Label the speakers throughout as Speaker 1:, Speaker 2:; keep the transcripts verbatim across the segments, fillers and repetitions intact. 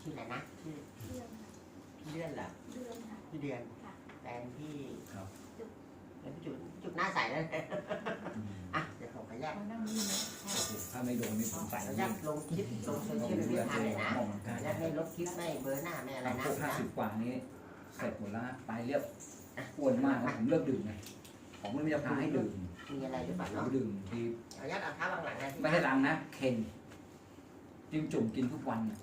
Speaker 1: ชื่ออะไรนะชื่อ
Speaker 2: เดือนค่ะ
Speaker 1: พี่เลื่อนเหรอ
Speaker 2: เดือนค่ะ
Speaker 1: พี่เดือน
Speaker 2: ค่ะ
Speaker 1: แฟนพี่
Speaker 3: ครับ
Speaker 1: แล้วพี่จุดจุดหน้าใสแล้ว
Speaker 3: อืม
Speaker 1: อ่ะเดี๋ยวผมขออนุญาต
Speaker 2: เขานั่งนี่นะ
Speaker 3: โอ้โหถ้าไม่โดนนี่ผม
Speaker 1: ขอ
Speaker 3: ใส่
Speaker 1: อ
Speaker 3: แล้
Speaker 1: นุ
Speaker 3: ว
Speaker 1: ญา
Speaker 3: ยิ่
Speaker 1: ต
Speaker 3: ง
Speaker 1: ลงคลิปลงโซเชียลมีเดียเลยนะ
Speaker 3: ออกกำลังกาย
Speaker 1: แล้วไม่ลบคลิปไม่เบอร์หน้าไม่อะไรนะ
Speaker 3: พวกห้าสิบกว่านี้เสร็จหมดแล้วตายเรียบอ้วนมากแล้วผมเลิกดื่มไงผมไม่จะพาให้ดื่ม
Speaker 1: มีอะไรหรือเปล่า
Speaker 3: ผม
Speaker 1: เนาะ
Speaker 3: ดื่มที
Speaker 1: ขออนุญาตเอาเท้าวางหลังนะ
Speaker 3: ไม่ให้ล้างนะเค็มจิ้มจุ่มกินทุกวันน่ะ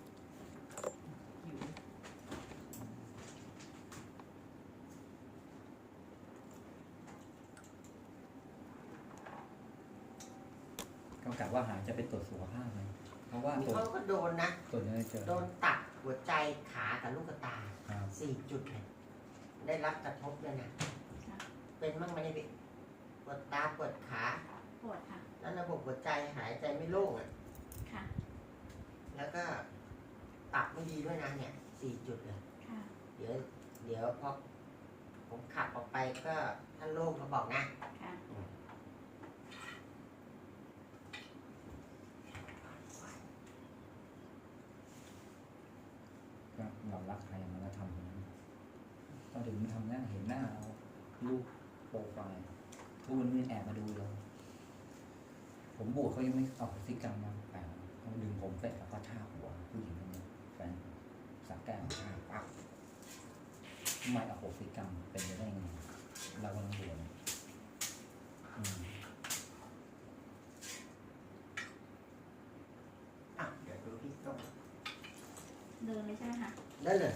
Speaker 3: ก็กะว่าหาจะไปตรวจสุขภาพเลยเพราะว่า
Speaker 1: มี
Speaker 3: ตรวจ
Speaker 1: เขาก็โดนนะ
Speaker 3: ตรวจเนี่ยเจอ
Speaker 1: โดนตัดหัวใจขากับลูกตา
Speaker 3: ครับ
Speaker 1: สี่จุดเลยได้รับกระทบเลยนะเป็นบ้างไหมเนี่ยพี่ปวดตาปวดขา
Speaker 2: ปวดค่ะ
Speaker 1: แล้วระบบหัวใจหายใจไม่โล่งอ่ะ
Speaker 2: ค่ะ
Speaker 1: แล้วก็ตับไม่ดีด้วยนะเนี่ยสี่จุดเลย
Speaker 2: ค่ะ
Speaker 1: เดี๋ยว เดี๋ยวพอผมขับออกไปก็ท่านโล่งเขาบอกนะ
Speaker 2: ค่ะ
Speaker 3: ก็เรารักใครมันก็ทำอย่างนั้นตอนถึงมันทำหน้าเห็นหน้าเรารูปโปรไฟล์ทุกวันนี้แอบมาดูเราผมบวชเขายังไม่เอาพฤติกรรมมาแปลเขาดึงผมเสร็จแล้วก็ท่าหัวผู้หญิงคนนี้แฟนสักแก้วท่าปั๊บไม่เอาพฤติกรรมเป็นไปได้ไงเรากำลังบวชอืม
Speaker 1: อ่ะเดี๋ยวดูพี่ต้อง
Speaker 2: เดินเลยใช่ไหมคะ
Speaker 1: ได้เลย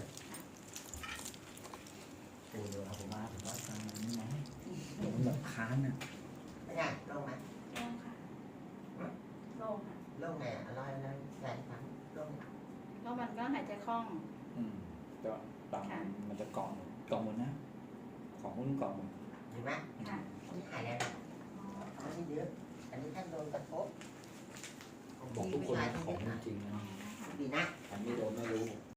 Speaker 3: โอ้เดี๋ยวเอาผมมาผมว่าทำนี้ไหมผมแบบค้านอ่ะ
Speaker 1: ไม่ได้ลงไหม
Speaker 2: โล่งค่ะโล่งค่ะ
Speaker 1: ลงไงอ่ะร้อยแล้วแสนครั้งลง
Speaker 2: แล้วมันก็หายใจคล่อง
Speaker 3: อืมแต่ว่าบางมันจะเกาะเกาะหมดนะ ของหุ้นเกาะหมด
Speaker 1: เห็นไหม
Speaker 2: ค่ะ
Speaker 1: อันนี้หายแล้วนะอันนี้เยอะอันนี้ท่านโดนกระทบ
Speaker 3: บอกทุกคนของจริงนะ
Speaker 1: ดีนะ
Speaker 3: อันนี้โดนไม่รู้